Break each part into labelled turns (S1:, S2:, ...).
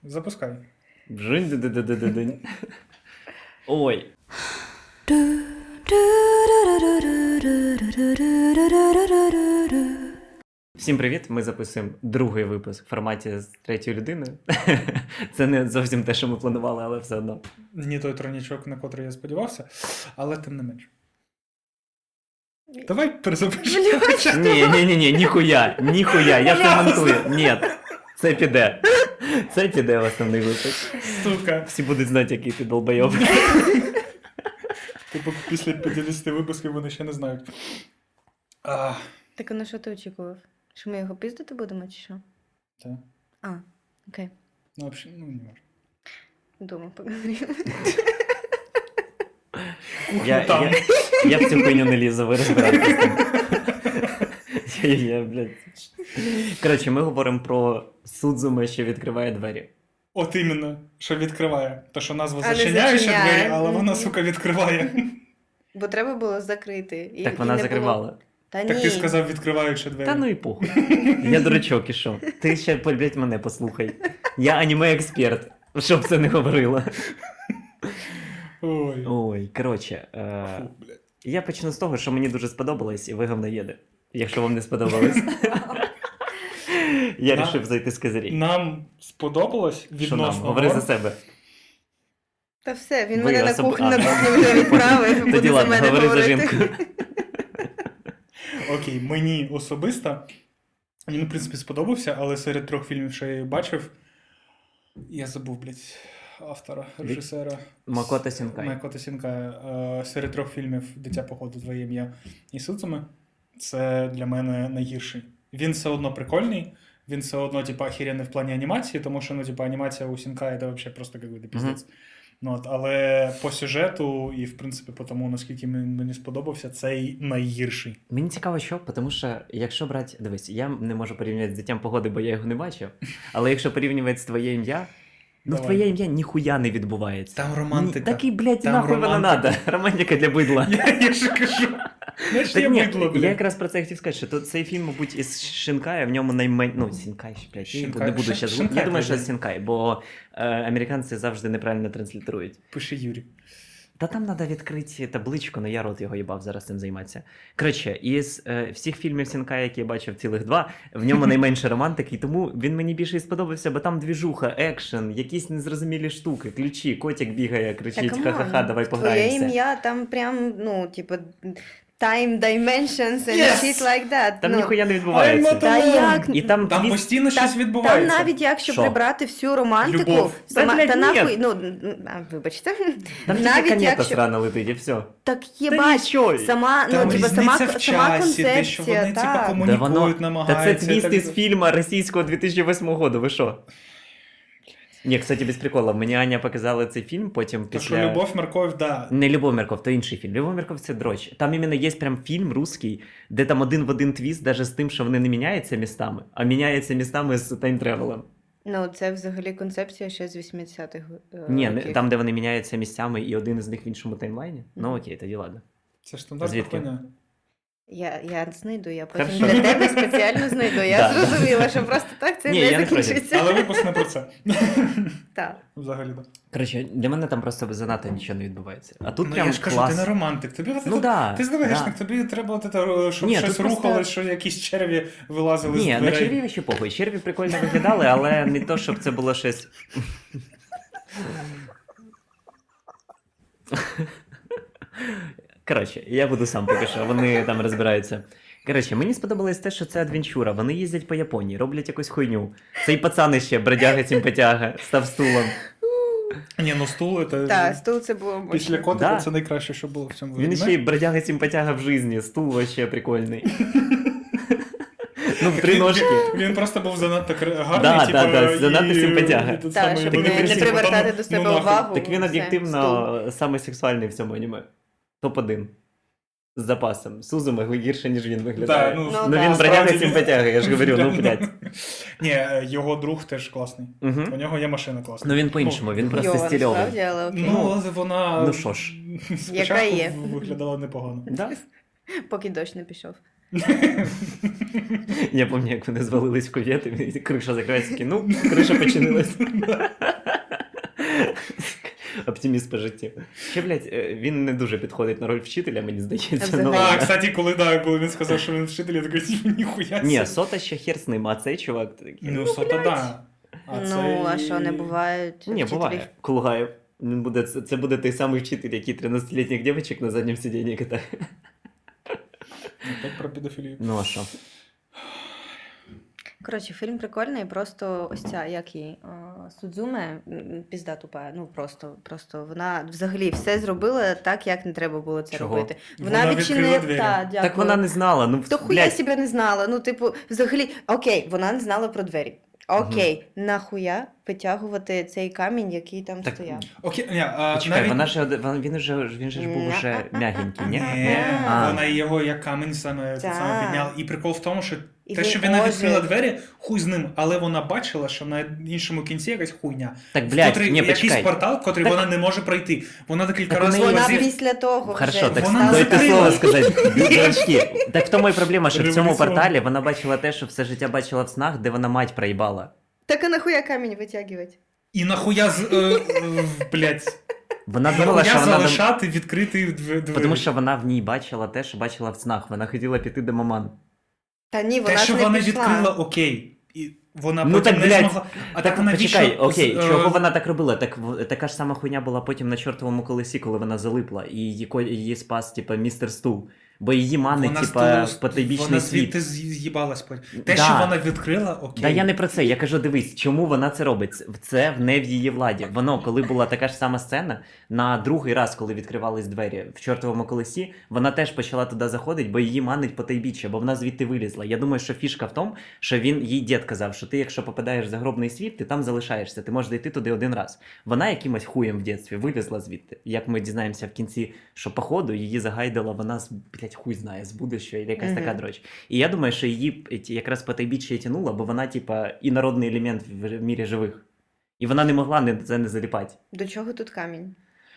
S1: Запускай.
S2: Бжинь-ди-ди-ди-ди-динь. Ой. Всім привіт! Ми записуємо другий випуск в форматі з третьою людиною. Це не зовсім те, що ми планували, але все одно.
S1: Не той тронічок, на котрий я сподівався, але тим не менш. Давай перезапишемо.
S2: Ні, ніхуя, я це монтую. Ні, це піде. Це піде в основний випуск.
S1: Сука.
S2: Всі будуть знати, який ти долбойоб.
S1: Типу після 50 випусків вони ще не знають.
S3: Так, а на що ти очікував? Що ми його піздити будемо, чи що?
S1: Так.
S3: А, окей.
S1: Ну, взагалі, не можна.
S3: Дома поговоримо.
S2: Я в цю хуйню не лізу, ви розбираєтесь. Блядь. Коротше, ми говоримо про Судзуме, що відкриває двері.
S1: От іменно, що відкриває. То, що назва
S3: А не
S1: зачиняє ще
S3: зачиняє.
S1: двері, але вона, сука, відкриває.
S3: Бо треба було закрити.
S2: Так вона закривала.
S3: Та ні.
S1: Так ти сказав, відкриваючи двері.
S2: Та ну і похуй. Я дурачок ішов. Ти ще, блядь, мене послухай. Я аніме-експерт, щоб це не говорила. Ой, коротше.
S1: Фу, блядь.
S2: Я почну з того, що мені дуже сподобалось, і ви говноєди. Якщо вам не сподобалось. Я вирішив зайти з козирі.
S1: Нам сподобалось
S2: Що нам?
S1: відносно.
S2: Говори за
S1: норм.
S2: себе.
S3: Та все, він
S2: Ви
S3: мене на
S2: особ-
S3: кухню
S2: А.
S3: вже відправив,
S2: Тоді
S3: буде за
S2: ладно,
S3: мене
S2: говори за
S3: говорити.
S2: жінку.
S1: Окей, мені особисто він, в принципі, сподобався, але серед 3 фільмів, що я бачив, я забув, блядь, автора, режисера.
S2: Макото Сінкай.
S1: Макото Сінкай. Серед 3 фільмів «Дитя походу», «Твоє ім'я» і «Судзуме» це для мене найгірший. Він все одно прикольний, він все одно, типа, охеренний в плані анімації, тому що, ну, типа, анімація у Сінкая це взагалі просто какой-то піздець. Ну, от, але по сюжету і, в принципі, по тому, наскільки мені сподобався, цей найгірший.
S2: Мені цікаво, що, тому що, якщо брати, дивись, я не можу порівнювати з «Дитям погоди», бо я його не бачив, але якщо порівнювати з «Твоє ім'я», ну,
S1: Давай.
S2: «Твоє ім'я» ніхуя не відбувається.
S1: Там романтика.
S2: Такий, блядь,
S1: Там
S2: нахуй вона
S1: романтика.
S2: надо. Романтика для бидла.
S1: Я ж кажу. Знаєш,
S2: Так
S1: я
S2: ні,
S1: бидло,
S2: я
S1: блядь.
S2: якраз про це хотів сказати, що тут цей фільм, мабуть, із Шинкая, в ньому найменше... Ну, Сінкай, блядь,
S1: Шинкай.
S2: не буду зараз...
S1: Шинкай,
S2: Я думаю, що
S1: блядь.
S2: Сінкай, бо американці завжди неправильно транслітерують.
S1: Пише Юрій.
S2: Та там треба відкрити табличку, але я рот його їбав зараз цим займатися. Коротше, із всіх фільмів Сінкая, які я бачив, цілих 2, в ньому найменше романтики, і тому він мені більше і сподобався, бо там двіжуха, екшен, якісь незрозумілі штуки, ключі, котик бігає, кричить, ха-ха-ха, давай
S3: Твоє
S2: пограємося.
S3: ім'я, там прям, ну, типу, time dimensions and
S1: Yes!
S3: shit like that.
S2: Там
S3: ну.
S2: ніхуя не
S1: I'm
S2: відбувається.
S1: not
S3: Та як?
S2: І там,
S1: Там
S2: твіст-
S1: постійно щось
S3: Там
S1: відбувається.
S3: навіть якщо
S2: Що?
S3: прибрати всю романтику,
S1: Любов.
S3: сама,
S2: Та, блядь,
S3: та
S2: ні.
S3: нахуй, ну, вибачте,
S2: Там тільки
S3: навіть
S2: канета
S3: якщо,
S2: срана летить, і все.
S3: так є,
S2: Та
S3: бач,
S2: нічого.
S3: сама,
S1: Там
S3: ну, типу,
S1: різниця
S3: сама
S1: в часі, те, що
S3: концепція,
S1: вони, типа,
S3: так.
S1: комунікують,
S2: Та це
S1: намагаються.
S2: твіст
S1: і так
S2: із фільму російського 2008 року, ви що? Ні, кстати, без приколу. Мені Аня показала цей фільм, потім
S1: То,
S2: після...
S1: що Любов, морковь, да.
S2: Не Любов Мірков, то інший фільм. Любов Мірков — це дрочь. Там іменно є прям фільм русський, де там один в один твіст, навіть з тим, що вони не міняються містами, а міняються містами з тайм-тревелем.
S3: Ну, це взагалі концепція ще з 80-х
S2: Ні,
S3: років.
S2: там, де вони міняються місцями, і один із них в іншому таймлайні. Ну окей, тоді ладно.
S1: Це ж стандартна
S2: Звідки?
S1: хуйня.
S3: Я знайду, я потім
S2: Хорошо.
S3: для тебе спеціально знайду. Я
S2: Да.
S3: зрозуміла, що просто так це
S2: Ні,
S3: не
S2: я не проти.
S3: закінчиться.
S1: Але випуск не про це.
S3: Так.
S1: Взагалі, так.
S2: Коротше, для мене там просто занадто нічого не відбувається. А тут
S1: Ну,
S2: прям
S1: я ж кажу,
S2: клас.
S1: ти не романтик. Тобі от
S2: Ну
S1: це-
S2: да,
S1: ти ЗВГшник,
S2: да.
S1: тобі треба от це, щоб
S2: Ні,
S1: щось
S2: тут просто-
S1: рухалось, що якісь черві вилазили з
S2: Ні, на
S1: дверей.
S2: черві ще похуй. Черві прикольно виглядали, але не то, щоб це було щось. Коротше, я буду сам поки що, вони там розбираються. Коротше, мені сподобалось те, що це адвенчура. Вони їздять по Японії, роблять якусь хуйню. Цей пацан ще бродяга симпатяга, став стулом.
S1: Ні, ну стул, це...
S3: Так, стул це було
S1: Після
S3: мощно.
S1: котика
S2: Да.
S1: це найкраще, що було в цьому
S2: Він
S1: аніме.
S2: ще й бродяга симпатяга в житті, стул вообще прикольний. Ну, в три ножки.
S1: Він просто був занадто гарний,
S2: Да,
S1: типу,
S2: да, да, занадто симпатяга.
S1: і тут
S3: Так,
S1: саме
S3: щоб
S1: вони
S3: не
S1: всі
S3: привертати
S1: потім,
S3: до себе
S1: нахуй.
S3: увагу.
S2: Так він
S3: Все,
S2: об'єктивно саме сексуальний в цьому аніме. Топ-1. З запасом. Сузуме гірше, ніж він виглядає.
S1: Да,
S3: Ну,
S2: Ну
S3: да.
S2: він бродяга
S1: Справді,
S2: симпатяга, я ж говорю, ну блядь.
S1: Ні, його друг теж класний.
S2: Угу.
S1: У нього є машина класна.
S2: Ну він по-іншому, він просто
S3: Йова,
S2: стильовий.
S3: насправді, але окей.
S1: Ну, але вона
S2: Ну що ж.
S1: спочатку
S3: є.
S1: виглядала непогано.
S2: Да?
S3: Поки дощ не пішов.
S2: Я пам'ятаю, як вони звалились в кувет, і криша закривається, такі, ну, криша починилась. Оптиміст по життю. Ще, блядь, він не дуже підходить на роль вчителя, мені здається.
S3: Взагалі.
S2: Ну,
S1: А,
S2: ладно.
S1: кстати, коли він сказав, що він вчитель, я такий, типу, ніхуя.
S2: Ні,
S1: себе.
S2: Сота ще хер з ним, а цей чувак такий.
S1: Ну, Сота, да.
S3: Ну, а що, не бувають
S2: Ні,
S3: вчителів?
S2: буває. Кулгаєв. Він буде, це буде той самий вчитель, який 13-літніх дівчинок на задньому сидінні катає.
S1: Опять про педофілію.
S2: Ну а що?
S3: Коротше, фільм прикольний, просто ось ця, як її, Судзуме, пізда тупа, ну просто вона взагалі все зробила так, як не треба було це
S2: Чого?
S3: робити.
S1: Вона відкрила двері.
S3: дякую.
S2: Так вона не знала, ну,
S3: То хуя
S2: блядь,
S3: себе не знала, ну типу, взагалі, окей, вона не знала про двері. Окей, нахуя витягувати цей камінь, який там
S2: Так,
S3: стояв?
S1: Окей, ні,
S2: почекай,
S1: навіть...
S2: вона ж, він же ж був уже м'ягенький, ні?
S1: Ні,
S2: А.
S1: вона його як камінь саме
S3: Так.
S1: підняла. І прикол в тому, що
S3: І
S1: те,
S3: він
S1: що вона
S3: ожив.
S1: відкрила двері, хуй з ним, але вона бачила, що на іншому кінці якась хуйня.
S2: Так, блядь,
S1: Котрий,
S2: ні,
S1: якийсь
S2: почекай.
S1: портал, котрий
S2: Так-
S1: вона не може пройти. Вона декілька
S2: Так у
S1: разів
S2: неї-
S3: Вона
S1: разів-
S3: після того
S2: Хорошо,
S3: вже
S2: так
S1: Вона
S2: дайте
S1: закрила.
S2: слово сказати. Дівчатки, так в тому і проблема, що в цьому
S1: Революціон.
S2: порталі вона бачила те, що все життя бачила в снах, де вона мать проїбала.
S3: Так а нахуя камінь витягувати?
S1: І нахуя блядь,
S2: Вона думала, що
S1: нахуя
S2: вона...
S1: залишати відкритий двері.
S2: Тому що вона в ній бачила те, що бачила в снах. Вона хотіла піти до маман.
S3: Та ні, вона
S1: Те, що
S3: ж не
S1: вона
S3: пішла.
S1: відкрила, окей. І вона
S2: Ну,
S1: потім
S2: так,
S1: не
S2: блядь,
S1: змогла. А так вона
S2: почекай,
S1: вічно
S2: окей,
S1: з-
S2: чого вона так робила? Так така ж сама хуйня була потім на чортовому колесі, коли вона залипла, і її спас, типа, містер Стул. Бо її манить,
S1: Вона
S2: типа,
S1: з
S2: в потойбічний
S1: вона
S2: світ.
S1: звідти з'їбалась потім. Те,
S2: Да.
S1: що вона відкрила, окей.
S2: Та я не про це, я кажу, дивись, чому вона це робить? Це не в її владі. Воно, коли була така ж сама сцена, на другий раз, коли відкривались двері в чортовому колесі, вона теж почала туди заходити, бо її манить потайбіччя, бо вона звідти вилізла. Я думаю, що фішка в тому, що їй дід казав, що ти, якщо попадаєш в загробний світ, ти там залишаєшся, ти можеш дійти туди один раз. Вона якимось хуєм в дитинстві вилізла звідти. Як ми дізнаємося в кінці, що походу її загайдала вона, блядь, хуй знає, з будущого, і якась така дроч. І я думаю, що її якраз потайбіччя і тянуло, бо вона, типа, інородний елемент в мірі живих. І вона не могла це не заліпати.
S3: До чого тут камінь?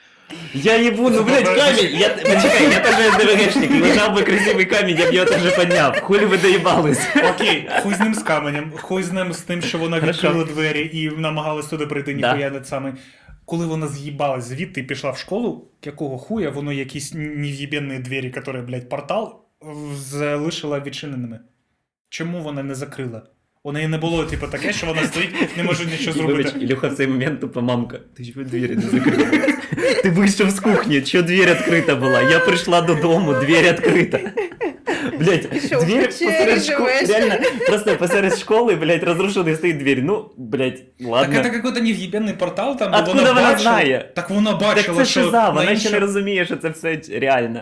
S2: Я ебу, ну, блядь, камень! Почекай, я теж ДВГшник, лежав би красивий камінь, я б його теж підняв. Хулі ви доїбались.
S1: Окей, хуй з ним з каменем, хуй з ним з тим, що вона
S2: Хорошо.
S1: відкрила двері і намагалась туди прийти,
S2: Да.
S1: ніхуя не саме. Коли вона з'їбалась звідти і пішла в школу, якого хуя, воно якісь нев'єбенні двері, які, блядь, портал, залишила відчиненими. Чому вона не закрила? У неї не було, типу, таке, що вона стоїть, не може нічого
S2: Вибач,
S1: зробити.
S2: Ілюха в цей момент тупо мамка. Ти чого двері не закрила? Ти вийшов з кухні, що двері відкрита була? Я прийшла додому, двері відкрита. Блять,
S3: Ти що, в
S2: двері
S3: печері
S2: посеред школи,
S3: живеш?
S2: реально, просто посеред школи, блять, розрушений стоїть двері. Ну, блять, ладно.
S1: Так це якийсь нев'єбенний портал, там, де
S2: Откуда
S1: вона
S2: вона
S1: бачила.
S2: знає?
S1: Так вона
S2: Так
S1: бачила,
S2: це
S1: що
S2: шиза, вона
S1: на
S2: ще не розуміє, що це все реально.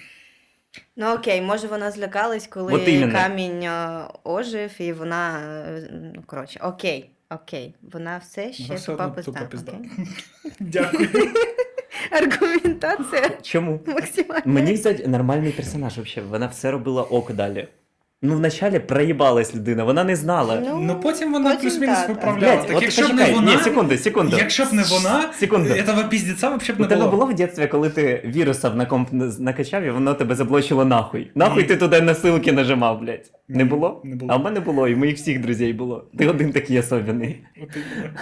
S3: Ну окей, може вона злякалась, коли
S2: От іменно.
S3: камінь ожив, і вона. Ну, коротше, окей. Вона все ще
S1: Вона все
S3: тупа
S1: одно тупа
S3: пизда.
S1: пизда.
S3: окей?
S1: Дякую.
S3: Аргументація
S2: Чому?
S3: максимальна.
S2: Мені, кстати, нормальний персонаж взагалі. Вона все робила ок далі. Ну, вначалі проїбалась людина, вона не знала.
S1: Ну потім вона
S3: потім
S1: плюс-мінус
S3: так.
S1: виправляла.
S2: Блядь,
S1: Так
S2: от
S1: якщо б не
S2: почекай,
S1: вона,
S2: ні, секунду.
S1: якщо б не вона,
S2: Секунду.
S1: этого піздеця взагалі б
S2: У
S1: не
S2: тебе
S1: було.
S2: було в дитинстві, коли ти вірусів на комп накачав, і воно тебе заблочило нахуй. Нахуй ти туди на ссылки нажимав, блядь. Не
S1: Ні,
S2: було?
S1: не було.
S2: А в мене було, і в моїх всіх друзів було. Ти один такий особливий.
S1: От іменно.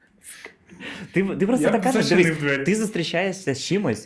S2: Ти просто
S1: Я
S2: так
S1: б
S2: кажеш,
S1: зачинив
S2: дивись,
S1: двері.
S2: ти зустрічаєшся з чимось.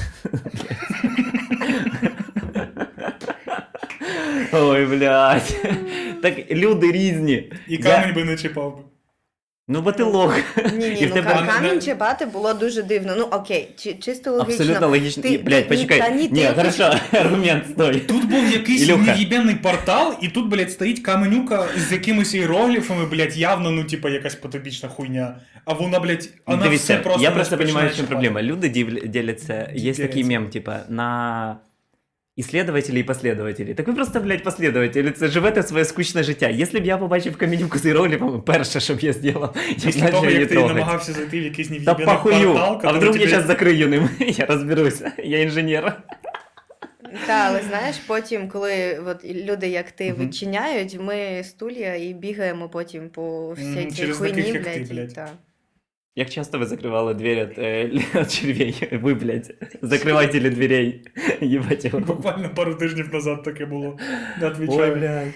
S2: Ой, блядь. Так люди різні.
S1: І камінь би не чіпав би.
S2: Ну, бо ти лох.
S3: Ні,
S2: І
S3: ні,
S2: в
S3: ну
S2: тебе-
S3: камінь чіпати було дуже дивно. Ну окей, чисто логічно.
S2: Абсолютно логічно.
S3: Ти-
S2: Блядь,
S3: ти-
S2: почекай.
S3: та ні,
S2: Ні,
S3: ти-
S2: хорошо, аргумент, стой.
S1: Тут був якийсь
S2: Ілюха.
S1: нев'єбенний портал, і тут, блядь, стоїть каменюка з якимись іерогліфами, блядь, явно, ну, типа, якась потопічна хуйня. А вона, блядь, вона все
S2: Дивіться,
S1: просто...
S2: я
S1: не
S2: просто
S1: починає
S2: понимаю, в чем
S1: чіпати.
S2: проблема. Люди делятся, есть
S1: Делятся.
S2: такий мем, типа, на исследователей и последователей. Так ви просто, блядь, последователі, це живете своє скучне життя. Якщо б я побачив каменюку з іерогліфами, перше, що б я зробив, я
S1: Після
S2: начав
S1: того,
S2: її
S1: як ти
S2: трогати.
S1: намагався зайти в якийсь
S2: Та
S1: нев'єбенний
S2: похую,
S1: портал,
S2: а вдруг я
S1: тебе...
S2: зараз закрию ним, я розберуся, я інженер.
S3: Та, але знаєш, потім, коли от, люди, як ти,
S2: Мгм.
S3: відчиняють, ми стулья і бігаємо потім по всій цій
S1: через
S3: хуйні,
S1: таких, як ти,
S3: блядь.
S1: блядь.
S3: Та.
S2: Як часто ви закривали двері від червей? Ви, блядь, закривателі дверей. Єбать його.
S1: Буквально пару тижнів назад таке було. Не
S2: Ой,
S1: відвічаю.
S2: блядь.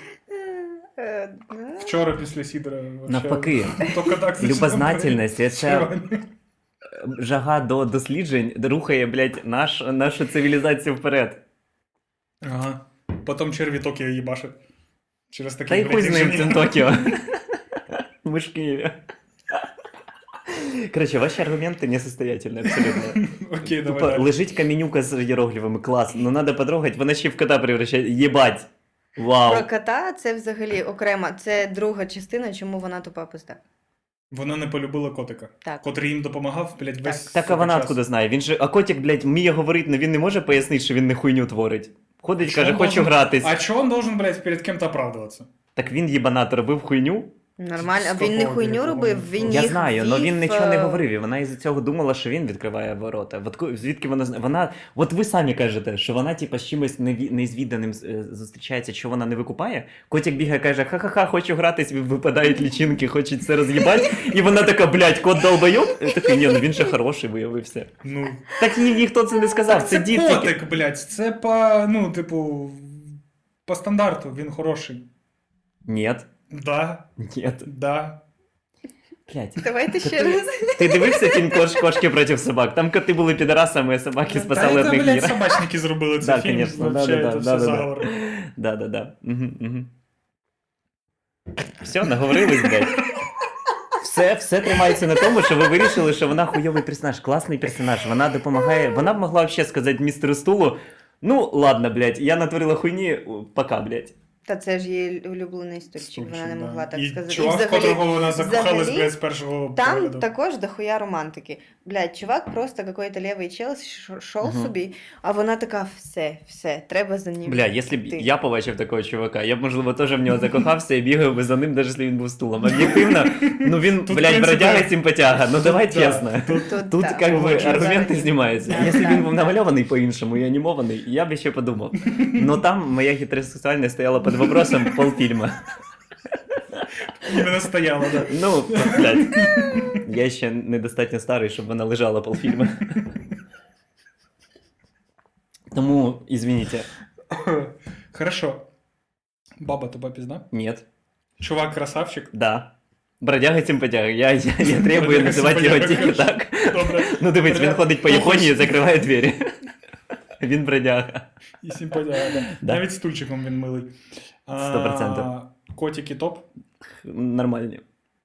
S1: Вчора після Сідора. вообще
S2: Навпаки.
S1: Тільки так
S2: Любознательність, це
S1: Червоний.
S2: жага до досліджень рухає, блядь, нашу цивілізацію вперед.
S1: Ага. Потім черві Токіо їбашить. Через такі,
S2: Та й хуй з ним
S1: рішення.
S2: цим Токіо. Ми ж в Києві. Коротше, ваші аргументи несостоятельні, абсолютно.
S1: Окей, давай
S2: Тупо
S1: далі.
S2: лежить каменюка з іерогліфами, клас, ну надо потрогать, вона ще в кота превращає, єбать. Вау.
S3: Про кота це взагалі окрема, це друга частина, чому вона тупа пизда.
S1: Вона не полюбила котика.
S3: Так.
S1: Котрий їм допомагав, блядь, весь
S2: Так, а вона
S1: час.
S2: откуда знає? Він же, а котик, блядь, вміє говорити, але він не може пояснити, що він не хуйню творить. Ходить,
S1: Чё
S2: каже,
S1: он
S2: хочу
S1: должен-
S2: гратись.
S1: А чого він должен, блядь, перед кем-то оправдуватися?
S2: Так він їбанат робив хуйню.
S3: Нормально,
S1: З
S3: він не
S1: какого
S3: хуйню
S1: диву?
S3: робив, він
S2: Я
S3: їх
S2: знаю, але він
S3: вів,
S2: нічого не говорив, і вона із-за цього думала, що він відкриває ворота. Звідки вона знає? Вона, от ви самі кажете, що вона типа з чимось незвіданим зустрічається, що вона не викупає. Котик бігає, каже, ха-ха-ха, хочу гратись, випадають лічинки, хочуть все роз'їбати. І вона така, блядь, кот долбойоб? І такий, ні, ну він же хороший виявився.
S1: Ну,
S2: Так їй ніхто це не сказав,
S1: так
S2: це
S1: це
S2: дід тільки.
S1: котик, блядь, це по, ну, типу, по стандарту, він хороший.
S2: Ні,
S1: Да,
S2: ні,
S1: да.
S2: блядь.
S3: Давайте ще раз.
S2: Ти дивився фільм «Кошки проти собак»? Там коти були підарасами, а собаки спасали
S1: Та
S2: одних
S1: це, блядь,
S2: мір.
S1: собачники зробили
S2: Да,
S1: цей фільм,
S2: конечно,
S1: вообще,
S2: да-да-да,
S1: це все
S2: да-да-да.
S1: заговор.
S2: Да. Угу. Все, наговорились, блядь. Все тримається на тому, що ви вирішили, що вона хуйовий персонаж, класний персонаж. Вона допомагає. Вона б могла взагалі сказати містеру Стулу: ну, ладно, блядь, я натворила хуйні, пока, блядь.
S3: Та це ж її улюблений стульчик, вона не
S1: Стульчик, да.
S3: могла так
S1: І
S3: сказати.
S1: чувак, в котрого вона закохалась, блядь, з першого
S3: Там
S1: погляду.
S3: також дохуя романтики. Блядь, чувак просто какой-то левий чел шов собі, а вона така, все, треба за ним.
S2: Бля, якщо б
S3: йти».
S2: я побачив такого чувака, я б, можливо, теж в нього закохався і бігав би за ним, навіть якщо він був стулом. Об'єктивно, ну він,
S1: Тут,
S2: блядь,
S1: в принципі,
S2: бродяга симпатяга, ну давай
S1: да,
S2: чесно. Тут
S3: так,
S2: как бы
S3: погоджуюсь,
S2: аргументи
S3: взагалі.
S2: знімаються.
S3: Да,
S2: Якщо
S3: да.
S2: він був намальований по-іншому і анімований, я б ще подумав. Но там моя гетеросексуальність стояла під вопросом полфільма.
S1: Іменно стояла, да.
S2: Ну, блядь, я ще недостатньо старий, щоб вона лежала полфільма. Тому, извините,
S1: Хорошо. Баба тупа пизда.
S2: нет,
S1: Чувак красавчик.
S2: да. Бродяга симпатяга. Я требую
S1: Бродяга
S2: називати його
S1: симпатяга,
S2: тільки
S1: хорошо.
S2: так.
S1: Добре.
S2: Ну дивись, він
S1: Бродяга.
S2: ходить по
S1: Ну,
S2: Японії і
S1: хоч-
S2: закриває двері. Він бродяга.
S1: І симпатяга, да.
S2: Да.
S1: Навіть стульчиком він милий.
S2: 100%.
S1: Котики топ.
S2: Нормальні.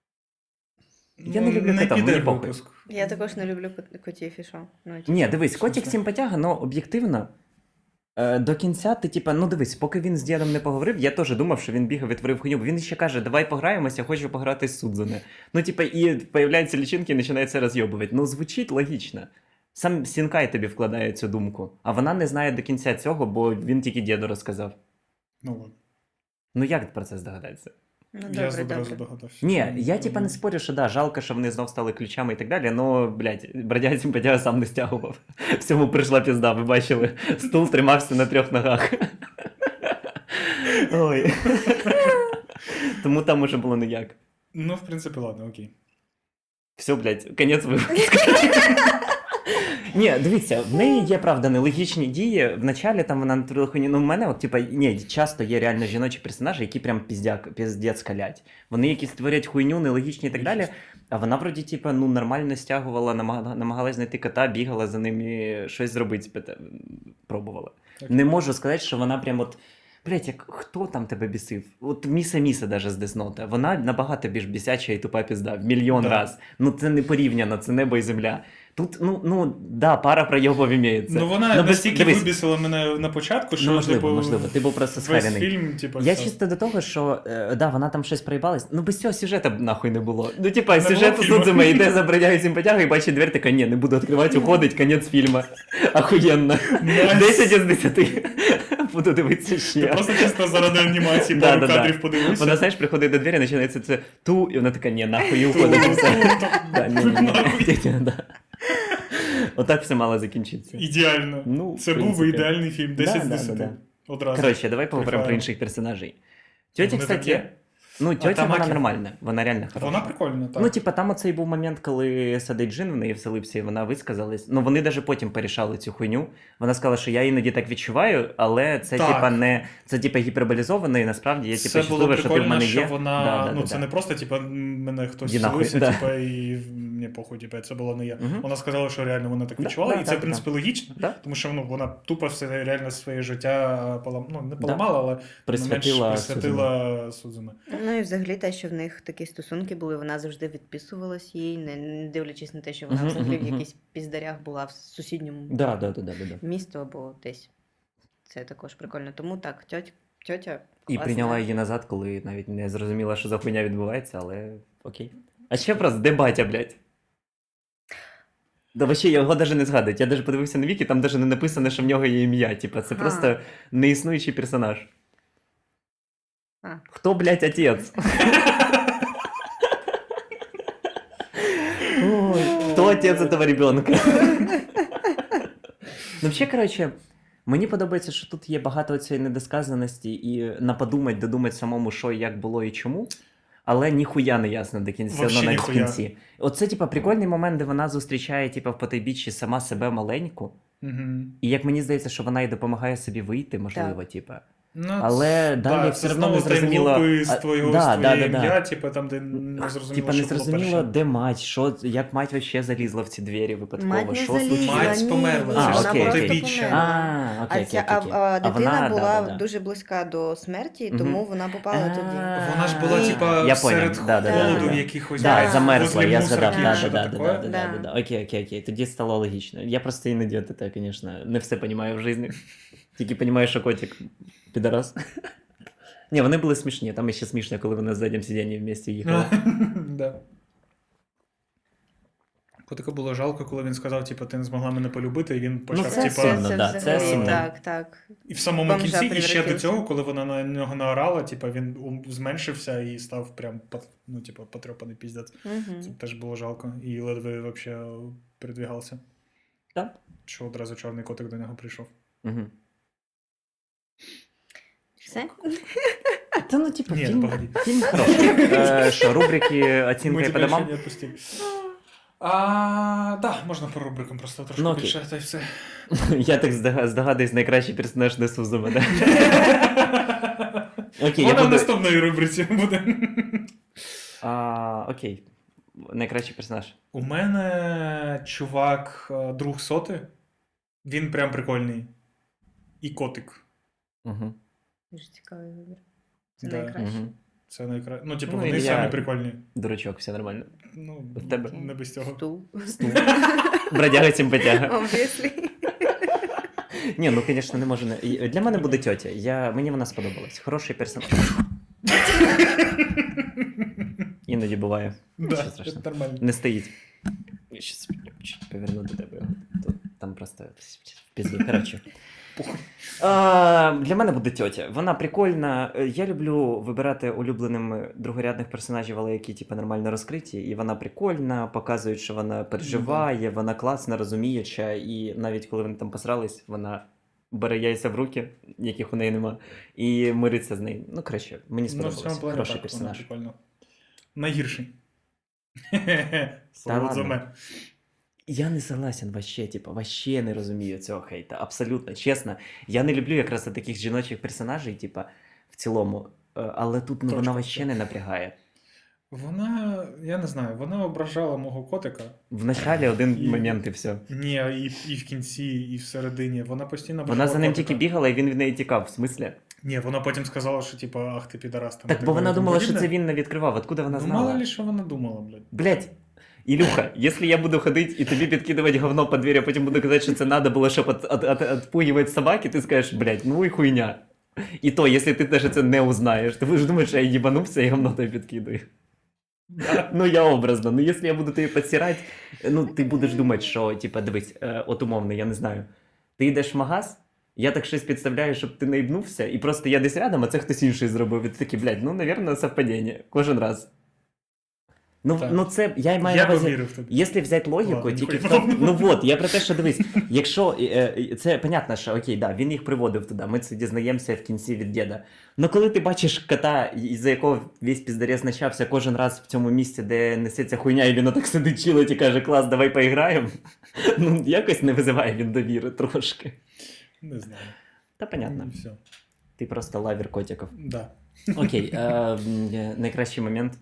S2: Я
S1: Ну,
S2: не люблю кота, мені
S1: піде
S2: похуй.
S1: випуск.
S3: Я також не люблю котів і що. Ну,
S2: Ні, дивись, котик
S1: смислі?
S2: симпатяга, але об'єктивно. До кінця ти, типа, ну дивись, поки він з дідом не поговорив, я теж думав, що він бігав і творив хуйню, бо він ще каже, давай пограємося, хочу пограти з Судзуне. Ну, типа, і появляються лічинки і починається розйобувати. Ну, звучить логічно. Сам Сінкай тобі вкладає цю думку, а вона не знає до кінця цього, бо він тільки діду розказав.
S1: Ну ладно.
S2: Ну як про це здогадатися?
S3: Ну,
S1: Я
S3: добре,
S1: одразу
S3: добре.
S1: догадався.
S2: Ні, я типа не спорю, що да, жалко, що вони знов стали ключами і так далі, но, блядь, бродяга симпатяга сам не стягував. Всьому прийшла пізда, ви бачили. Стул тримався на 3 ногах. Ой. Тому там уже було ніяк.
S1: Ну, в принципі, ладно, окей.
S2: Все, блядь, кінець випуску. Ні, дивіться, в неї є, правда, нелогічні дії. Вначалі там вона натворила хуйню. Ну, в мене, от, типа, ні, часто є реально жіночі персонажі, які прям піздець калять. Вони якісь творять хуйню, нелогічні і так далі. А вона, вроді, типа, ну, нормально стягувала, намагалась знайти кота, бігала за ним і щось зробити, пробувала.
S1: Так.
S2: Не можу сказати, що вона прям от. Блять, як хто там тебе бісив? От Міса даже з Деснота. Вона набагато більш бісяча і тупа пізда. В мільйон
S1: Да.
S2: раз. Ну це не порівняно, це небо і земля. Тут, да, пара проєбов імеється.
S1: Ну, вона
S2: без-
S1: настільки
S2: дивись,
S1: вибісила мене на початку, що,
S2: Ну, можливо,
S1: типу,
S2: можливо. Ти був просто
S1: весь
S2: схарений.
S1: фільм, типу,
S2: Я
S1: все.
S2: чисто до того, що да, вона там щось проїбалась. Ну без цього сюжету б нахуй не було. Ну, типа,
S1: Не
S2: сюжет
S1: було фільму.
S2: Судзуме йде за бродягою симпатягою і бачить двері, така, ні, не буду відкривати, уходить, кінець фільму. Ахуєнно.
S1: Найс.
S2: 10 із 10. Буду дивитися
S1: Ти
S2: ще.
S1: просто чисто заради анімації
S2: Да,
S1: пару
S2: да, да.
S1: кадрів подивився.
S2: Вона, знаєш, приходить до двері, починається це ту, і вона така, ні, нахуй, і уходить. І все. Да, ні. Да. Отак все мало закінчитися.
S1: Ідеально.
S2: Ну,
S1: Це
S2: в
S1: був
S2: принципі.
S1: ідеальний фільм. 10 з
S2: Да,
S1: 10.
S2: да.
S1: Одразу.
S2: Коротше, давай поговоримо про
S1: Прикольно.
S2: інших персонажей. Тьотя,
S1: Вони
S2: кстати,
S1: такі?
S2: Ну, тьотя, вона
S1: Тамакі.
S2: нормальна, вона реально хороша.
S1: Вона прикольна, так.
S2: Ну, типа, там оцей був момент, коли сидить Джин в неї вселився, і вона висказалась. Ну, вони навіть потім порішали цю хуйню. Вона сказала, що я іноді так відчуваю, але це,
S1: Так.
S2: типа, не... Це, типа, гіперболізовано, і насправді я, типа,
S1: Це було
S2: щаслива, що ти в
S1: прикольно,
S2: мене
S1: що
S2: є.
S1: вона,
S2: Да.
S1: це не просто, типа, мене хтось
S2: Іди нахуй,
S1: вселився,
S2: да.
S1: типа, і мені похуй, типа, це було не я.
S2: Мгм.
S1: Вона сказала, що реально вона так
S2: Да,
S1: відчувала,
S2: да,
S1: і це,
S2: да,
S1: в принципі, логічно,
S2: Да.
S1: тому що вона тупо все реально своє життя не поламала, але присвятила Судзуме.
S3: Ну і взагалі те, що в них такі стосунки були, вона завжди відписувалась їй, не дивлячись на те, що вона
S2: Мгм,
S3: взагалі в
S2: мгм,
S3: якихось піздарях була в сусідньому
S2: Да.
S3: місту або десь. Це також прикольно. Тому так, тьотя
S2: І
S3: класна.
S2: прийняла її назад, коли навіть не зрозуміла, що за хуйня відбувається, але окей. А ще просто, де батя, блядь? Да вообще його навіть не згадують. Я навіть подивився на віки, там навіть не написано, що в нього є ім'я. Типа, це
S3: Ага.
S2: просто неіснуючий персонаж.
S3: А.
S2: Хто, блядь, отець? Ой, хто отець этого ребенка? Ну, взагалі, коротше, мені подобається, що тут є багато цієї недосказаності і додумати самому, що, як було і чому. Але ніхуя не ясно до кінця,
S1: Вообще
S2: навіть в
S1: ніхуя.
S2: кінці. Оце, типа, прикольний момент, де вона зустрічає, типа, в потайбіччі сама себе маленьку. І як мені здається, що вона й допомагає собі вийти, можливо, типа. Але далі все одно не зрозуміло.
S1: з твоє ім'я, типу, там, де не зрозуміло,
S2: Типа не
S1: що було
S2: зрозуміло,
S1: перше.
S2: де мать, що, як мать вообще залізла в ці двері випадково,
S3: Мать не
S2: що
S3: залізла,
S2: случилось?
S1: Мать померла,
S2: це ж
S3: вона
S2: окей,
S3: просто
S2: окей.
S1: Біччя.
S3: померла.
S2: Окей.
S3: А дитина
S2: вона,
S3: була
S2: да.
S3: дуже близька до смерті,
S2: Мгм.
S3: тому вона попала туди.
S1: Вона ж була,
S3: І-
S1: типа,
S2: Я
S1: серед
S2: поняв, да.
S1: холоду
S3: Да.
S1: якихось.
S3: Да,
S2: Замерзла,
S1: возле
S2: я
S1: мусорки,
S2: згадав,
S1: що
S2: да.
S1: таке.
S2: Окей, тоді стало логічно. Я просто іноді, это, конечно, не все розумію в житті. Тільки розумію, що котик підарас. Ні, вони були смішні, там ще смішно, коли вони на заднім сидінні вместе їхали.
S1: Да. Котика було жалко, коли він сказав, типу, ти не змогла мене полюбити, і він почав,
S2: це
S1: типа,
S2: сумно, да, це
S3: взагалі,
S2: сумно.
S3: Так.
S1: і в самому
S3: бомжа
S1: кінці, і ще до
S3: превратився.
S1: цього, коли вона на нього наорала, типа, він зменшився і став прям, потрьопаний піздець.
S3: Мгм.
S1: Це теж було жалко. І ледве вообще передвігався.
S2: Так.
S1: Що одразу чорний котик до нього прийшов.
S2: Угу.
S3: Все?
S2: Та ну, типу,
S1: Ні,
S2: фільм
S1: погоди.
S2: хороший. Що, рубрики оцінка
S1: Ми
S2: і по
S1: тебе ще
S2: домам?
S1: не відпустили. Да, можна по рубрикам просто трошки
S2: Ну, окей.
S1: більше, та й все.
S2: Я так здогадуюсь, найкращий персонаж не Сузуме, да? Окей, я
S1: Вона в
S2: буду...
S1: наступної рубриці буде.
S2: Окей. Найкращий персонаж.
S1: У мене чувак, друг соти. Він прям прикольний. І котик.
S2: Угу.
S3: Дуже цікавий вибір. Це
S1: Да.
S3: найкраще.
S2: Угу.
S1: Це найкраще. Ну, типу,
S2: Ну,
S1: вони
S2: і
S1: самі
S2: я-
S1: прикольні.
S2: Дурачок, все нормально.
S1: Ну,
S2: В тебе?
S3: Окей.
S1: не без цього.
S3: Стул.
S2: Бродяга симпатяга.
S3: Obviously.
S2: Ні, ну, звісно, не можу. Для мене буде тьотя. Мені вона сподобалась. Хороший персонаж. Іноді буває.
S1: Да,
S2: Нічого
S1: це
S2: страшного.
S1: нормально.
S2: Не стоїть. Я щас чуть поверну до тебе. Тут, там просто в пізду. Коротше.
S1: Похуй.
S2: Для мене буде тьотя. Вона прикольна. Я люблю вибирати улюбленими другорядних персонажів, але які типу, нормально розкриті. І вона прикольна, показують, що вона переживає, вона класна, розуміюча. І навіть коли вони там посрались, вона бере яйця в руки, яких у неї нема, і мириться з нею. Ну, краще, мені
S1: Ну, в
S2: сподобалось.
S1: цьому плані
S2: Хороший
S1: так, вона
S2: персонаж.
S1: прикольно. Найгірший.
S2: Та ладно.
S1: Судзуме.
S2: Я не согласен вообще, типа, вообще не розумію цього хейта. Абсолютно, чесно. Я не люблю якраз таких жіночих персонажей, типа, в цілому. Але тут вона
S1: Точно.
S2: вообще не напрягає.
S1: Вона, я не знаю, вона ображала мого котика.
S2: В началі один
S1: І-
S2: момент і все.
S1: Ні, і в кінці, і всередині. Вона постійно
S2: Вона
S1: ображала
S2: за ним
S1: котика.
S2: тільки бігала, і він від неї тікав. В смислі?
S1: Ні, вона потім сказала, що типа, ах ти підарас. Там, і
S2: Так, бо вона
S1: далі, і тому
S2: думала, що
S1: подібне.
S2: це він не відкривав. Откуда вона
S1: Ну,
S2: знала?
S1: мало ли, що вона думала, блядь.
S2: Блять, Ілюха, якщо я буду ходити і тобі підкидувати говно по двері, а потім буду казати, що це треба було, щоб відпугувати собаки, ти скажеш, блять, ну і хуйня. І то, якщо ти теж це не узнаєш, ти будеш думати, що я їбанувся і говно тобі підкидаю. Ну, я образно. Ну, якщо я буду тобі підсирати, ну, ти будеш думати, що, типа, дивись, от умовно, я не знаю, ти йдеш в магаз, я так щось підставляю, щоб ти не їбнувся, і просто я десь рядом, а це хтось інший зробив. І ти такий, блядь, ну, навірно, совпадіння. Кожен раз.
S1: Так.
S2: Ну це я маю
S1: Я
S2: на увазі.
S1: повірив тобі.
S2: Якщо взяти логіку,
S1: Ладно,
S2: тільки в
S1: ніхуя
S2: тому, ну от, я про те, що дивись, якщо це понятно, що окей, да, він їх приводив туди, ми це дізнаємося в кінці від діда. Ну коли ти бачиш кота, із-за якого весь піздарєс почався кожен раз в цьому місці, де несеться хуйня, і він отак сидить чилить і каже, клас, давай поіграємо. Ну, якось не визиває він довіри трошки.
S1: Не знаю.
S2: Та понятно,
S1: Все.
S2: ти просто лавір котиків.
S1: Да.
S2: Окей, найкращий момент.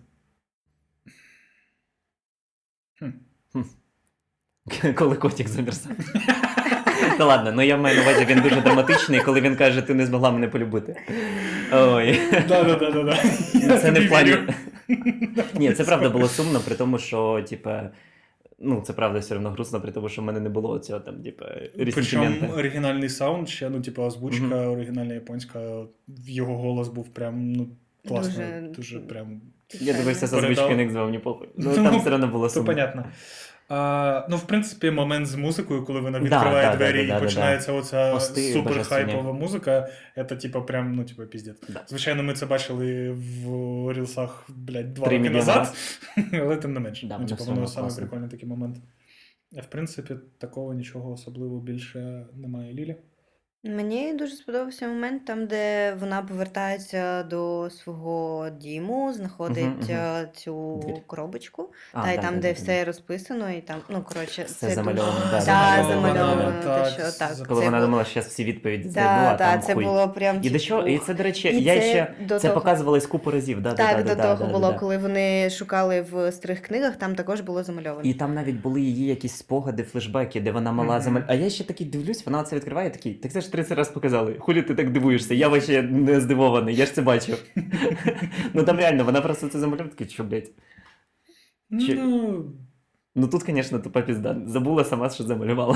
S1: Хм.
S2: Коли котик замерзав. Та ладно, ну я маю на увазі, він дуже драматичний, коли він каже, ти не змогла мене полюбити. Ой.
S1: Да.
S2: Це не в плані. Ні, це правда було сумно, при тому, що, типа, ну, це правда все одно грустно, при тому, що в мене не було цього там, типа,
S1: Причому
S2: ресентимента.
S1: оригінальний саунд ще, ну, типу, озвучка оригінальна японська, його голос був прям, ну, класний, дуже прям.
S2: Я дивився з
S1: Передав.
S2: озвучки, не звав ні похуй. Ну,
S1: Ну,
S2: там все одно було
S1: Це
S2: сумно.
S1: понятно. Ну, в принципі, момент з музикою, коли вона відкриває двері і починається оця
S2: Пости
S1: суперхайпова музика, це, типу, прям, ну, типу, піздець.
S2: Да.
S1: Звичайно, ми це бачили в рілсах, блядь, 2
S2: 3
S1: роки
S2: мільйони
S1: назад, але тим не менше.
S2: Да,
S1: Ну,
S2: воно
S1: типу,
S2: все
S1: воно
S2: одно
S1: саме
S2: класно.
S1: прикольний такий момент. В принципі, такого нічого особливо більше немає. Лілі?
S3: Мені дуже сподобався момент там, де вона повертається до свого діму, знаходить цю
S2: Двір.
S3: коробочку,
S2: А,
S3: та й
S2: да,
S3: там,
S2: да,
S3: де
S2: да,
S3: все розписано, і там, ну, коротше,
S2: Все
S3: це
S2: замальовано,
S3: дуже...
S2: да,
S3: Да,
S2: замальовано,
S3: замальовано,
S1: так,
S3: те, що так.
S2: Коли
S3: це
S2: вона
S3: було-
S2: думала, що зараз всі відповіді знайду, а
S3: Да,
S2: там
S3: це
S2: хуй.
S3: було прям...
S2: І до чого? І
S3: ух.
S2: це, до речі,
S3: І
S2: я
S3: це
S2: ще
S3: до
S2: це
S3: того.
S2: показувалось купу разів. Да,
S3: Так,
S2: да,
S3: до того було, коли вони шукали в старих книгах, там також було замальовано.
S2: І там навіть були її якісь спогади, флешбеки, де вона мала А я ще такий дивлюсь, вона це відкриває, такий, так це ж 30 разів показали. Хулі ти так дивуєшся? Я вообще не здивований, я ж це бачив. Ну там реально, вона просто це замальовує, такий, що, блядь. Чи-
S1: Ну,
S2: Ну тут, звісно, тупа пізда. Забула сама, що замалювала.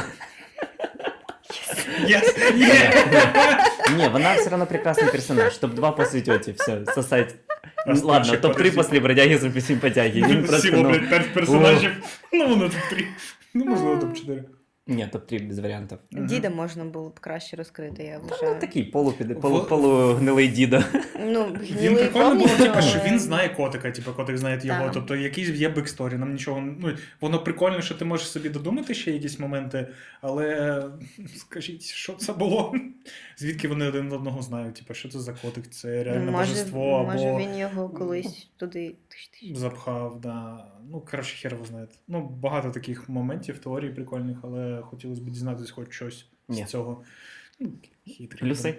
S1: yes,
S2: Ні, вона все одно прекрасний персонаж. Топ-2 по світоті, все, сосать.
S1: А
S2: Ладно,
S1: ще
S2: топ-3
S1: подожди.
S2: після бродяги з симпатяги. Він просто,
S1: Всього,
S2: ну...
S1: блядь, 5 персонажів. Ну, воно топ-3. Ну, можливо, топ-4.
S2: Ні, топ-3 без варіантів.
S3: Діда можна було б краще розкрити, я
S2: Ну,
S3: вважаю.
S2: такий полугнилий дідо.
S3: Ну,
S1: Він
S3: гнилий
S1: прикольно було,
S3: повністю,
S1: типу, що
S3: але-
S1: він знає котика, типу, котик знає його.
S3: Так.
S1: Тобто якийсь є бексторі, нам нічого. Ну, воно прикольно, що ти можеш собі додумати ще якісь моменти, але скажіть, що це було? Звідки вони один одного знають? Типу, що це за котик? Це реальне божество
S3: Може
S1: або
S3: він його колись туди...
S1: запхав, да. Ну, коротше, хер його знає. Ну, багато таких моментів, теорій прикольних, але хотілося б дізнатися хоч щось
S2: Ні.
S1: з цього. Ну, хитрий.
S2: Плюси?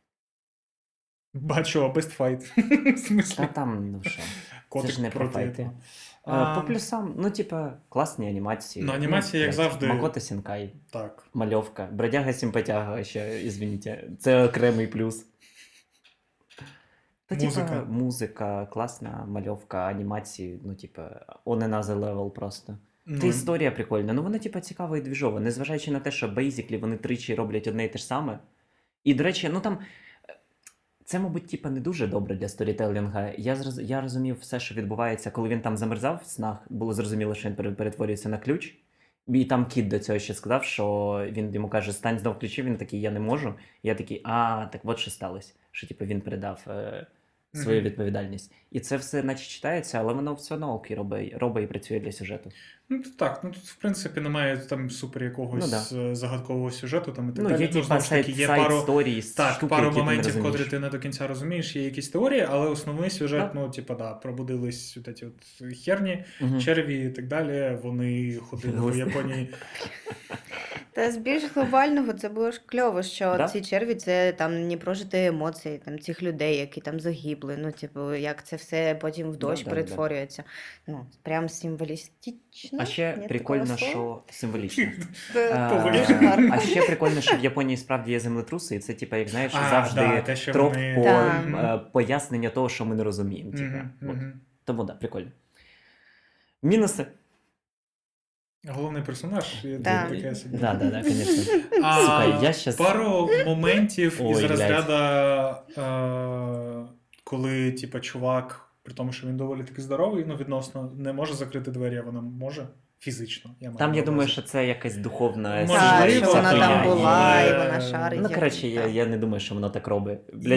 S1: Бачу, best fight. В смислі?
S2: Та там, ну що.
S1: Котик
S2: ж не про
S1: проти
S2: файти.
S1: этого.
S2: По плюсам, ну, типа, класні анімації.
S1: Ну, анімації, як
S2: блядь,
S1: завжди.
S2: Макото Сінкай,
S1: Так.
S2: мальовка, бродяга симпатяга ще, извините. Це окремий плюс. Та,
S1: Музика.
S2: Музика, класна мальовка, анімації, ну, типа, on another level просто.
S1: Ну,
S2: Та історія прикольна. Ну, вона, типа, цікава і двіжова, незважаючи на те, що бейзіклі вони тричі роблять одне і те ж саме. І, до речі, ну там. Це, мабуть, типа, не дуже добре для сторітелінга. Я розумів все, що відбувається, коли він там замерзав в снах, було зрозуміло, що він перетворюється на ключ. І там кіт до цього ще сказав, що він йому каже, стань знов ключі, він такий, я не можу. Я такий, так от що сталося. Що типу, він передав свою відповідальність. І це все наче читається, але воно все одно окей робить і працює для сюжету.
S1: Ну, так, ну тут, в принципі, немає там супер якогось загадкового сюжету там і так
S2: Ну,
S1: далі.
S2: є типа
S1: знову ж таки, є пару,
S2: сайд-сторії,
S1: так,
S2: штуки,
S1: пару
S2: які
S1: моментів,
S2: ти не
S1: котрі
S2: розумієш.
S1: ти не до кінця розумієш, є якісь теорії, але основний сюжет,
S2: Так.
S1: ну, типа, да, пробудились от ці от херні,
S2: Мгм.
S1: черві і так далі, вони ходили в
S2: Глисти.
S1: Японії.
S3: Та з більш глобального це було ж кльово, що
S2: Да?
S3: ці черві це там не прожити емоції там цих людей, які там загибли. Ну, типу, як це все потім в дощ
S2: Да.
S3: перетворюється. Ну, прям символістично.
S2: А ще
S3: Ні
S2: прикольно,
S3: такого слова?
S2: що символічно.
S3: Дуже гарно.
S2: А ще прикольно, що в Японії справді є землетруси, і це, типа, як знаєш,
S1: А,
S2: завжди
S1: да, те, що
S2: троп
S1: вони-
S2: по
S3: Так.
S2: пояснення того, що ми не розуміємо. Типа.
S1: Мгм,
S2: От.
S1: мгм.
S2: Тому так, прикольно. Мінуси.
S1: Головний персонаж, є
S3: Да.
S1: таке собі.
S2: Да, звісно.
S1: А,
S2: Сука, я щас-
S1: Пару моментів
S2: Ой,
S1: із
S2: блядь.
S1: розряду, коли, типа, чувак, при тому, що він доволі таки здоровий, ну, відносно, не може закрити двері, а вона може фізично.
S2: Там,
S1: на
S2: я думаю,
S1: увазі.
S2: що це якась духовна
S1: Можливо,
S3: Так,
S2: історія,
S3: що
S2: вся
S3: вона
S2: хуйня,
S3: там
S2: і-
S3: була, і
S1: але-
S3: вона шарить.
S2: Ну,
S3: як-
S2: коротше,
S3: так.
S2: я не думаю, що воно так робить. Блядь,
S1: І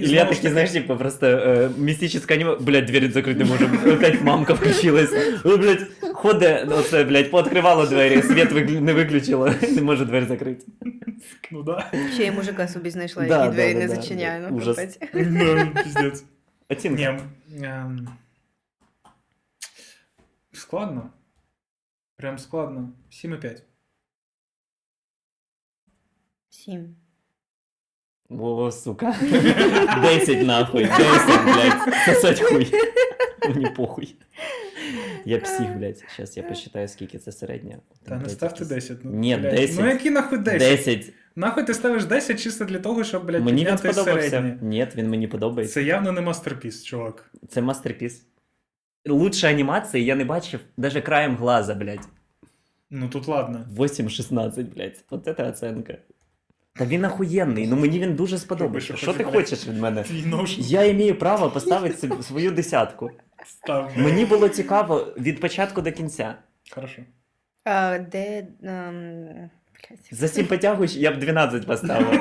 S1: І
S2: Ілля
S1: знову ж
S2: такий,
S1: таки,
S2: знаєш, типу, просто містичне аніме, блядь, двері закрити не можемо. Опять мамка включилась. Ой, блядь, ходить, оце, блядь, пооткривало двері, світ не виключило, не може двері закрити.
S1: ну да.
S3: Ще й мужика собі знайшла,
S2: Да,
S3: який двері
S2: да,
S3: не
S2: да,
S3: зачиняє.
S2: да.
S3: Ну,
S2: Ужас.
S3: капець.
S1: Ну, піздець.
S2: Оцінка.
S1: Ні, складно. Прям складно. 7,5.
S3: 7.
S2: О, сука. 10 нахуй, 10, блядь, сосать хуй. Мені похуй. Я псих, блядь. Сейчас я посчитаю, скільки це середня.
S1: Та не ставте 10. Ну,
S2: Ні,
S1: блядь.
S2: 10.
S1: Ну які нахуй 10?
S2: 10.
S1: Нахуй ти ставиш 10 чисто для того, щоб, блядь,
S2: Мені він
S1: підняти
S2: сподобався.
S1: середнє.
S2: Ні, він мені подобається.
S1: Це явно не мастерпіс, чувак.
S2: Це мастерпіс. Лучше анімації я не бачив даже краєм глаза, блядь.
S1: Ну тут ладно.
S2: 8-16, блядь. Вот это оценка. Та він охуєнний, ну мені він дуже сподобався.
S1: Роби,
S2: Що ти
S1: блядь.
S2: хочеш від мене?
S1: Твій нож
S2: Я маю право поставити свою десятку.
S1: став.
S2: Мені було цікаво від початку до кінця.
S1: Хорошо.
S3: Де... блядь.
S2: За 7 потягуєш, я б 12 поставив.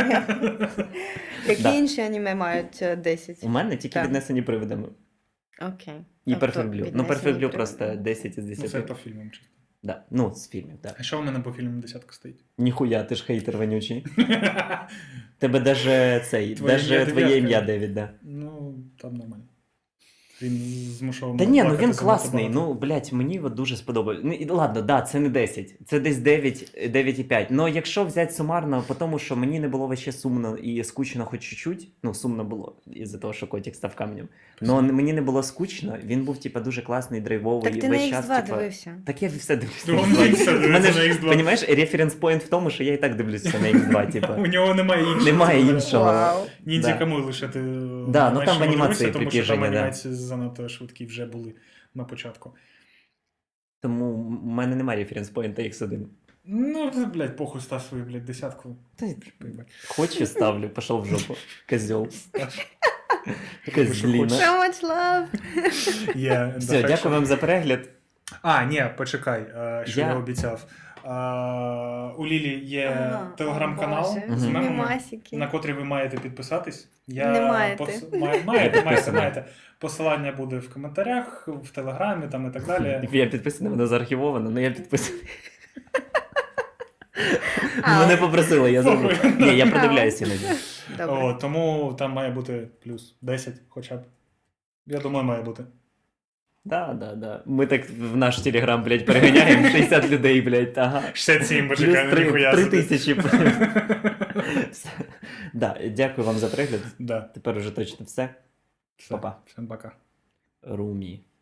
S3: Які
S2: Да.
S3: інші аніме мають 10?
S2: У мене тільки
S3: Так.
S2: віднесені привидами.
S3: Окей.
S2: І
S3: Тобто
S2: Perfect Blue. Ну,
S3: віднесені
S2: Perfect Blue
S3: приводи.
S2: просто 10 із
S1: Ну, це
S2: 10.
S1: по фільмам чисто.
S2: Да. Ну, з фільмів, так.
S1: А що у мене по фільмам десятка стоїть?
S2: Ніхуя, ти ж хейтер вонючий. Тебе даже цей,
S1: Твоє
S2: даже
S1: ім'я
S2: твоє
S1: дев'ятка.
S2: ім'я Девід, да.
S1: Ну, там нормально. Він змушував.
S2: Та
S1: мене
S2: ні, ну
S1: плакати
S2: він
S1: занадто
S2: класний.
S1: багато.
S2: Ну, блядь, мені от дуже сподобається. Ну, і ладно, да, це не 10. Це десь 9, 9,5. Ну, якщо взяти сумарно, по тому, що мені не було вообще сумно і скучно хоч чуть-чуть. Ну, сумно було, із-за того, що котик став каменем. Но мені не було скучно, він був, типа, дуже класний, драйвовий.
S3: Так ти
S2: весь
S3: на
S2: час,
S3: X2
S2: типа...
S3: дивився.
S2: Так я все дивлюся.
S1: Ну,
S2: на
S1: він
S2: X2.
S1: все дивиться
S2: У мене ж,
S1: на X2.
S2: понімаєш, референс-поінт в тому, що я і так дивлюся на X2, типа.
S1: У нього немає іншого.
S2: Немає іншого.
S3: Вау.
S1: Ніндзя
S2: Да.
S1: кому лишити.
S2: Да, ну там в
S1: меншому
S2: анімації
S1: дивися, тому що там
S2: припіження, да.
S1: анімації занадто швидкі вже були на початку.
S2: Тому в мене немає референс-поінта X1.
S1: Ну, блядь, похуй став свою, блядь, десятку.
S2: Та й
S1: Поїбать.
S2: Хочу ставлю, пошел в жопу. Козел.
S1: Що
S2: Козліна.
S1: хочеш.
S3: So much love.
S1: Yeah,
S2: Все, дякую вам за перегляд.
S1: А, ні, почекай, що я
S2: Я-
S1: обіцяв. У Лілі є
S3: Ага,
S1: телеграм-канал
S3: Боже,
S1: з мемами,
S3: мемасики.
S1: на котрий ви маєте підписатись.
S3: Не маєте.
S1: Маєте. Посилання буде в коментарях, в телеграмі там і так далі.
S2: Я підписаний, воно заархівовано, але я підписаний.
S3: А.
S2: Мене попросили, я забув.
S1: Похуй.
S2: Ні, я продивляюся іноді.
S3: Добре.
S1: О, тому там має бути плюс 10 хоча б. Я думаю, має бути.
S2: Да. Ми так в наш телеграм, блядь, переганяємо 60 людей, блядь, ага.
S1: 67,
S2: Плюс
S1: почекай, ну ніхуя
S2: 3
S1: собі.
S2: тисячі. Да, дякую вам за перегляд.
S1: Да.
S2: Тепер уже точно все.
S1: Все.
S2: Па-па.
S1: Всім пока.
S2: Румі.